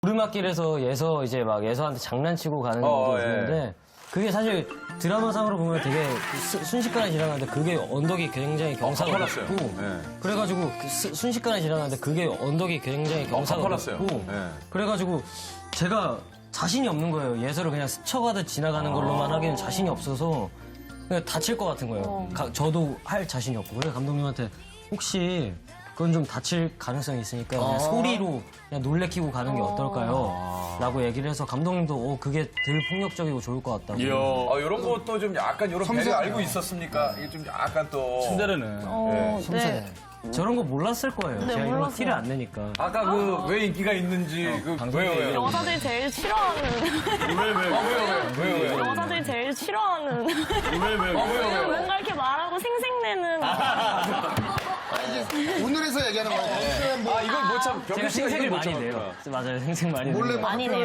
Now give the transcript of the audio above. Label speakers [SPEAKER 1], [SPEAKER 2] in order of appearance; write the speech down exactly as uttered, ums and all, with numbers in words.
[SPEAKER 1] 오르막길에서 예서 이제 막 예서한테 장난치고 가는
[SPEAKER 2] 어,
[SPEAKER 1] 게 있는데 그게 사실 드라마상으로 보면 되게 수- 순식간에 지나가는데 그게 언덕이 굉장히 경사가
[SPEAKER 2] 가팔랐어요.
[SPEAKER 1] 높고
[SPEAKER 2] 네.
[SPEAKER 1] 그래가지고 그 수- 순식간에 지나가는데 그게 언덕이 굉장히 경사가
[SPEAKER 2] 가팔랐어요.
[SPEAKER 1] 높고
[SPEAKER 2] 네.
[SPEAKER 1] 그래가지고 제가 자신이 없는 거예요. 예서를 그냥 스쳐가듯 지나가는 걸로만 하기는 자신이 없어서 그냥 다칠 것 같은 거예요. 가- 저도 할 자신이 없고 그래서 감독님한테 혹시 그건 좀 다칠 가능성이 있으니까 그냥 소리로 그냥 놀래키고 가는 게 어떨까요? 라고 얘기를 해서 감독님도 어, 그게 덜 폭력적이고 좋을 것 같다고.
[SPEAKER 2] 이야. 아, 이런 것도 좀 약간 이런 배를
[SPEAKER 3] 섬세하네요.
[SPEAKER 2] 알고 있었습니까? 이게 좀 약간 또.
[SPEAKER 4] 신데레네.
[SPEAKER 5] 어, 네.
[SPEAKER 1] 섬세해. 저런 거 몰랐을 거예요. 제가 이런 거
[SPEAKER 5] 몰랐어요.
[SPEAKER 1] 티를 안 내니까.
[SPEAKER 2] 아까 그 왜 인기가 있는지 그 왜요 왜요?
[SPEAKER 5] 여자들이 제일 싫어하는
[SPEAKER 2] 아, 왜요 왜요 왜요 왜요?
[SPEAKER 5] 여자들이 제일 싫어하는
[SPEAKER 2] 왜요 왜요?
[SPEAKER 5] 뭔가 이렇게 말하고 생색내는
[SPEAKER 3] 오늘에서 얘기하는 거예요. 뭐
[SPEAKER 2] 아 이건 뭐참
[SPEAKER 1] 제가
[SPEAKER 2] 병규 씨가
[SPEAKER 1] 생색을
[SPEAKER 2] 이걸 못
[SPEAKER 1] 많이
[SPEAKER 2] 참았구나.
[SPEAKER 1] 내요. 맞아요, 생색 많이 내요.
[SPEAKER 3] 몰래 막
[SPEAKER 5] 많이 내요.